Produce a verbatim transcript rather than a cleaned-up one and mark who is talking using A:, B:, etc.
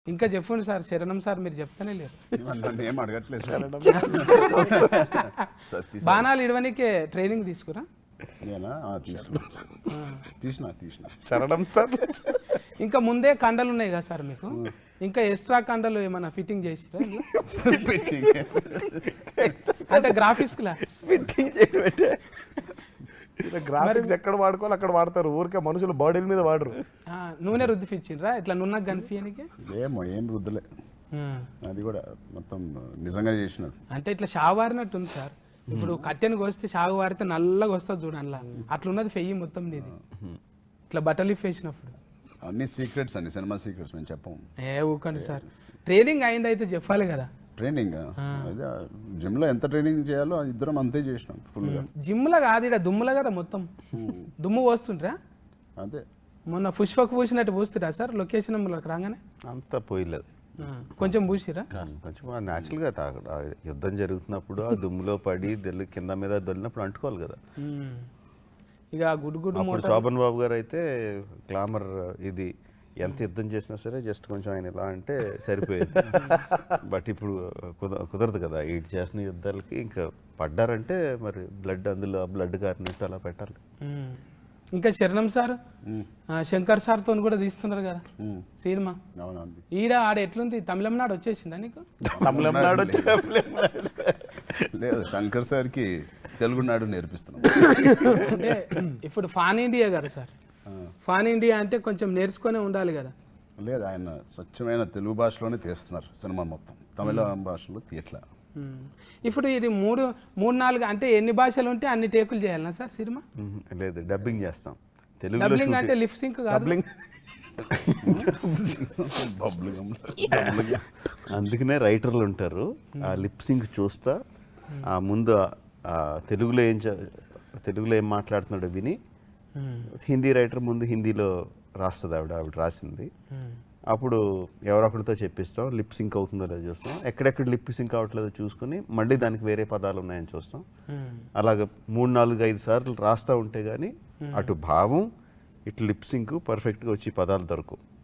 A: ఇంకా చెప్పండి సార్, శరణం సార్ మీరు చెప్తానే లేరు.
B: నన్ను ఏం అడగట్లేదు సార్.
A: బాణాలు ఇడవనికే ట్రైనింగ్ తీసుకురా.
B: నేనా ఆ, తీసుకున్నా తీసిన తీసిన
C: శరణం సార్.
A: ఇంకా ముందే కండలు ఉన్నాయి కదా సార్ మీకు, ఇంకా ఎక్స్ట్రా కండలు ఏమైనా ఫిట్టింగ్ చేసిరా ఇందులో? అంటే గ్రాఫిక్స్ లా
C: ఫిట్టింగ్ చేయబట్టే గ్రాఫిక్స్ ఎక్కడ వాడుకోవాలి అక్కడ వాడతారు, ఊరికే మనుషులు బాడీల మీద వాడరు.
A: ఆ, నూనె రుద్ది ఫిచ్చిండ్రా ఇట్లా నున్నగా కనిపించడానికి?
B: ఏమో ఏం రుద్దులే, అది కూడా మొత్తం నిజంగా చేసినారు.
A: అంటే ఇట్లా షాగు వారినట్టు ఉంది సార్. ఇప్పుడు కట్టెను కోస్తే షాగు వారితే నల్లగా వస్తుంది చూడు, అందులో అట్లున్నది ఫెయ్యి మొత్తం నీది ఇట్లా బట్టలు ఇప్పేసినప్పుడు.
B: అన్ని సీక్రెట్స్ అండి, సినిమా సీక్రెట్స్ మేము చెప్పము.
A: ఏ ఊకండి సార్, ట్రైనింగ్ అయింది అయితే చెప్పాలి కదా.
B: ట్రైనింగ్ అదే జిమ్లో ఎంత ట్రైనింగ్ చేయాలో అది ఇద్దరం అంతే చేసినాం ఫుల్గా.
A: జిమ్లో కాదు, ఇక్కడ దుమ్ములో కదా మొత్తం దుమ్ము పోస్తుంటారా?
B: అదే
A: మొన్న పుష్పకు పూసినట్టు పూస్తురా సార్ లొకేషన్ రాగానే?
C: అంత పోయలేదు,
A: కొంచెం పూసిరా.
C: కొంచెం న్యాచురల్గా తాగ యుద్ధం జరుగుతున్నప్పుడు ఆ దుమ్ములో పడి దొల్లి కింద మీద దొల్లినప్పుడు అంటుకోవాలి కదా.
A: ఇక గుడ్ గుడ్
C: అప్పుడు శోభన్ బాబు గారు అయితే గ్లామర్ ఇది ఎంత యుద్ధం చేసినా సరే జస్ట్ కొంచెం ఆయన ఇలా అంటే సరిపోయేది. బట్ ఇప్పుడు కుద కుదరదు కదా, ఎయిట్ చేసిన యుద్ధాలకి ఇంకా పడ్డారంటే మరి బ్లడ్ అందులో బ్లడ్ కారినట్టు అలా పెట్టాలి.
A: ఇంకా శరణం సార్ శంకర్ సార్ తో కూడా తీస్తున్నారు కదా సినిమా. ఈడ ఆడ ఎట్లుంది, తమిళనాడు వచ్చేసిందా నీకు?
C: తమిళనాడు
B: లేదు, శంకర్ సార్కి తెలుగునాడు నేర్పిస్తున్నాం.
A: అంటే ఇప్పుడు ఫాన్ ఇండియా కదా సార్, ఫాన్ ఇండియా అంటే కొంచెం నేర్చుకునే ఉండాలి కదా.
B: లేదు, ఆయన స్వచ్ఛమైన తెలుగు భాషలోనే తీస్తున్నారు సినిమా మొత్తం, తమిళ భాషలో తీయట్లా.
A: ఇప్పుడు ఇది మూడు మూడు నాలుగు అంటే ఎన్ని భాషలు ఉంటే అన్ని టేకులు చేయాలనా సార్ సినిమా?
C: లేదు, డబ్బింగ్ చేస్తాం. తెలుగు
A: డబ్బింగ్ అంటే లిప్ సింక్ కాదు,
C: అందుకనే రైటర్లు ఉంటారు. ఆ లిప్ సింక్ చూస్తా ఆ ముందు ఆ తెలుగులో ఏం తెలుగులో ఏం మాట్లాడుతున్నాడో విని, హిందీ రైటర్ ముందు హిందీలో రాస్తుంది ఆవిడ ఆవిడ రాసింది. అప్పుడు ఎవరొకరితో చెప్పిస్తాం, లిప్ సింక్ అవుతుందో లేదో చూస్తాం, ఎక్కడెక్కడ లిప్ సింక్ అవ్వట్లేదో చూసుకుని మళ్ళీ దానికి వేరే పదాలు ఉన్నాయని చూస్తాం. అలాగ మూడు నాలుగు ఐదు సార్లు రాస్తూ ఉంటే కానీ అటు భావం ఇటు లిప్ సింక్ పర్ఫెక్ట్గా వచ్చి పదాలు దొరకవు.